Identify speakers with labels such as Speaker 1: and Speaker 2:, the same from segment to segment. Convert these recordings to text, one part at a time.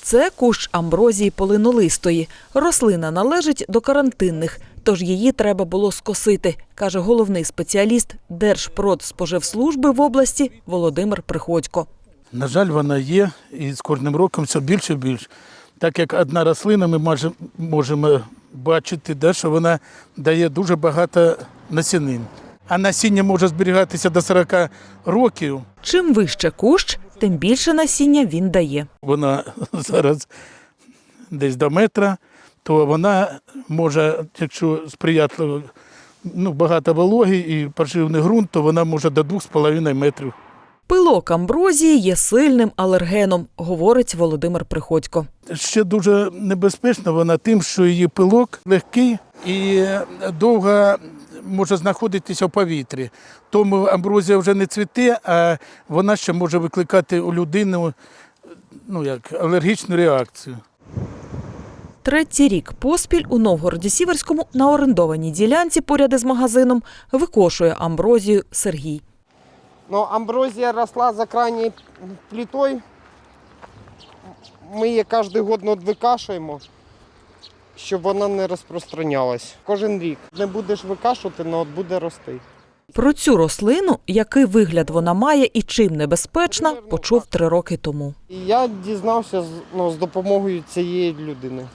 Speaker 1: Це кущ амброзії полинолистої. Рослина належить до карантинних, тож її треба було скосити, каже головний спеціаліст Держпродспоживслужби в області Володимир Приходько.
Speaker 2: На жаль, вона є і з кожним роком все більше і більше. Так як одна рослина, ми можемо бачити, що вона дає дуже багато насінин. А насіння може зберігатися до 40 років.
Speaker 1: Чим вище кущ, тим більше насіння він дає.
Speaker 2: Вона зараз десь до метра, то вона може, якщо сприятливо, багато вологи і поживний ґрунт, то вона може до 2,5 метрів.
Speaker 1: Пилок амброзії є сильним алергеном, говорить Володимир Приходько.
Speaker 2: Ще дуже небезпечна вона тим, що її пилок легкий і довго може знаходитися в повітрі. Тому амброзія вже не цвіте, а вона ще може викликати у людини алергічну реакцію.
Speaker 1: Третій рік поспіль у Новгороді-Сіверському на орендованій ділянці поряд із магазином викошує амброзію Сергій.
Speaker 3: Амброзія росла за крайньою плитою. Ми її кожен рік викашуємо, щоб вона не розпространялась. Кожен рік. Не будеш викашувати, але буде рости.
Speaker 1: Про цю рослину, який вигляд вона має і чим небезпечна, почув 3 роки тому.
Speaker 3: І я дізнався з допомогою цієї людини.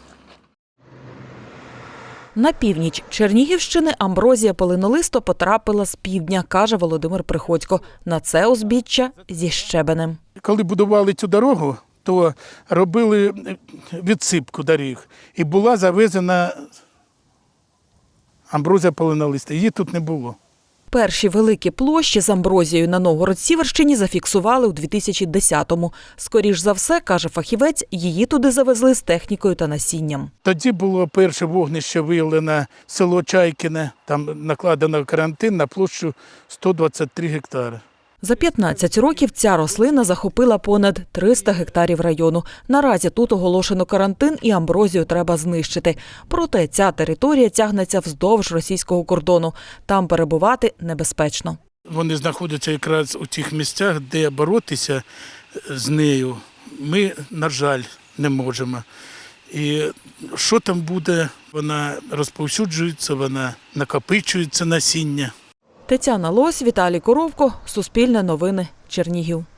Speaker 1: На північ Чернігівщини амброзія полинолиста потрапила з півдня, каже Володимир Приходько. На це узбіччя зі щебенем.
Speaker 2: Коли будували цю дорогу, то робили відсипку доріг. І була завезена амброзія полинолиста. Її тут не було.
Speaker 1: Перші великі площі з амброзією на Новгород-Сіверщині зафіксували у 2010-му. Скоріш за все, каже фахівець, її туди завезли з технікою та насінням.
Speaker 2: Тоді було перше вогнище виявлено село Чайкине. Там накладено карантин на площу 123 гектари.
Speaker 1: За 15 років ця рослина захопила понад 300 гектарів району. Наразі тут оголошено карантин і амброзію треба знищити. Проте ця територія тягнеться вздовж російського кордону. Там перебувати небезпечно.
Speaker 2: Вони знаходяться якраз у тих місцях, де боротися з нею ми, на жаль, не можемо. І що там буде, вона розповсюджується, вона накопичується насіння.
Speaker 1: Тетяна Лось, Віталій Коровко, Суспільне новини, Чернігів.